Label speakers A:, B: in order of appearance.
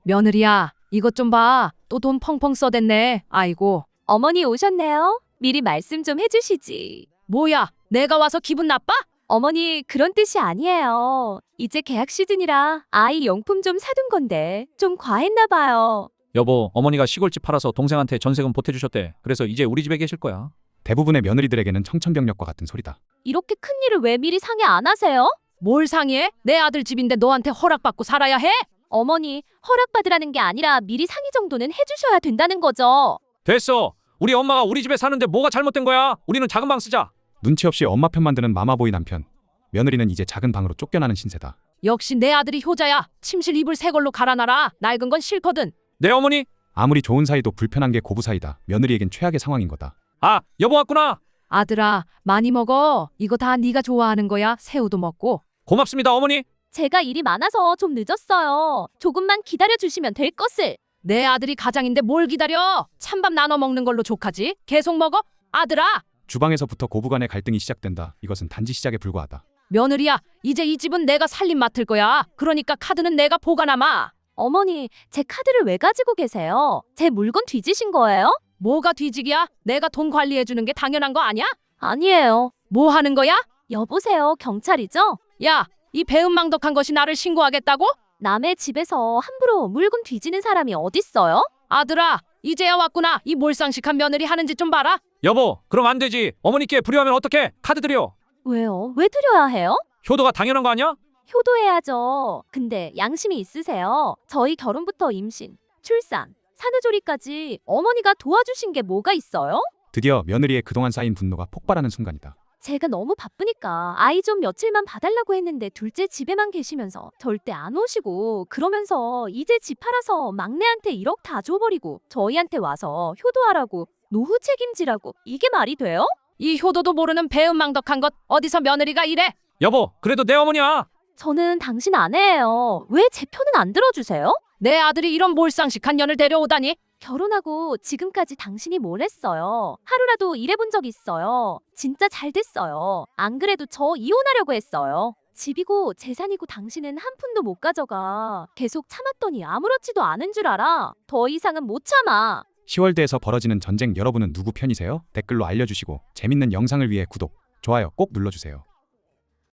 A: 며느리야, 이것 좀 봐. 또 돈 펑펑 써댔네. 아이고.
B: 어머니 오셨네요. 미리 말씀 좀 해주시지.
A: 뭐야, 내가 와서 기분 나빠?
B: 어머니 그런 뜻이 아니에요. 이제 계약 시즌이라 아이 용품 좀 사둔 건데 좀 과했나 봐요.
C: 여보, 어머니가 시골집 팔아서 동생한테 전세금 보태주셨대. 그래서 이제 우리 집에 계실 거야.
D: 대부분의 며느리들에게는 청천벽력과 같은 소리다.
B: 이렇게 큰 일을 왜 미리 상의 안 하세요?
A: 뭘 상의해? 내 아들 집인데 너한테 허락받고 살아야 해?
B: 어머니 허락받으라는 게 아니라 미리 상의 정도는 해주셔야 된다는 거죠.
C: 됐어. 우리 엄마가 우리 집에 사는데 뭐가 잘못된 거야? 우리는 작은 방 쓰자.
D: 눈치 없이 엄마 편만 드는 마마보이 남편. 며느리는 이제 작은 방으로 쫓겨나는 신세다.
A: 역시 내 아들이 효자야. 침실 이불 새 걸로 갈아놔라. 낡은 건 싫거든.
C: 네, 어머니.
D: 아무리 좋은 사이도 불편한 게 고부 사이다. 며느리에겐 최악의 상황인 거다.
C: 아, 여보 왔구나.
A: 아들아, 많이 먹어. 이거 다 네가 좋아하는 거야. 새우도 먹고.
C: 고맙습니다, 어머니.
B: 제가 일이 많아서 좀 늦었어요. 조금만 기다려주시면 될 것을.
A: 내 아들이 가장인데 뭘 기다려? 찬밥 나눠 먹는 걸로 족하지? 계속 먹어? 아들아!
D: 주방에서부터 고부 간의 갈등이 시작된다. 이것은 단지 시작에 불과하다.
A: 며느리야, 이제 이 집은 내가 살림 맡을 거야. 그러니까 카드는 내가 보관하마.
B: 어머니 제 카드를 왜 가지고 계세요? 제 물건 뒤지신 거예요?
A: 뭐가 뒤지기야? 내가 돈 관리해주는 게 당연한 거 아니야?
B: 아니에요.
A: 뭐 하는 거야?
B: 여보세요, 경찰이죠?
A: 야, 이 배은망덕한 것이 나를 신고하겠다고?
B: 남의 집에서 함부로 물건 뒤지는 사람이 어딨어요?
A: 아들아, 이제야 왔구나. 이 몰상식한 며느리 하는 짓 좀 봐라.
C: 여보, 그럼 안 되지. 어머니께 불효하면 어떡해? 카드 드려.
B: 왜요? 왜 드려야 해요?
C: 효도가 당연한 거 아니야?
B: 효도해야죠. 근데 양심이 있으세요? 저희 결혼부터 임신, 출산, 산후조리까지 어머니가 도와주신 게 뭐가 있어요?
D: 드디어 며느리의 그동안 쌓인 분노가 폭발하는 순간이다.
B: 제가 너무 바쁘니까 아이 좀 며칠만 봐달라고 했는데 둘째 집에만 계시면서 절대 안 오시고 그러면서 이제 집 팔아서 막내한테 1억 다 줘버리고 저희한테 와서 효도하라고 노후 책임지라고 이게 말이 돼요?
A: 이 효도도 모르는 배은망덕한 것 어디서 며느리가 이래?
C: 여보, 그래도 내 어머니야.
B: 저는 당신 아내예요. 왜 제 편은 안 들어주세요?
A: 내 아들이 이런 몰상식한 년을 데려오다니?
B: 결혼하고 지금까지 당신이 뭘 했어요? 하루라도 일해본 적 있어요? 진짜 잘 됐어요. 안 그래도 저 이혼하려고 했어요. 집이고 재산이고 당신은 한 푼도 못 가져가. 계속 참았더니 아무렇지도 않은 줄 알아. 더 이상은 못 참아.
D: 10월대에서 벌어지는 전쟁 여러분은 누구 편이세요? 댓글로 알려주시고 재밌는 영상을 위해 구독, 좋아요 꼭 눌러주세요.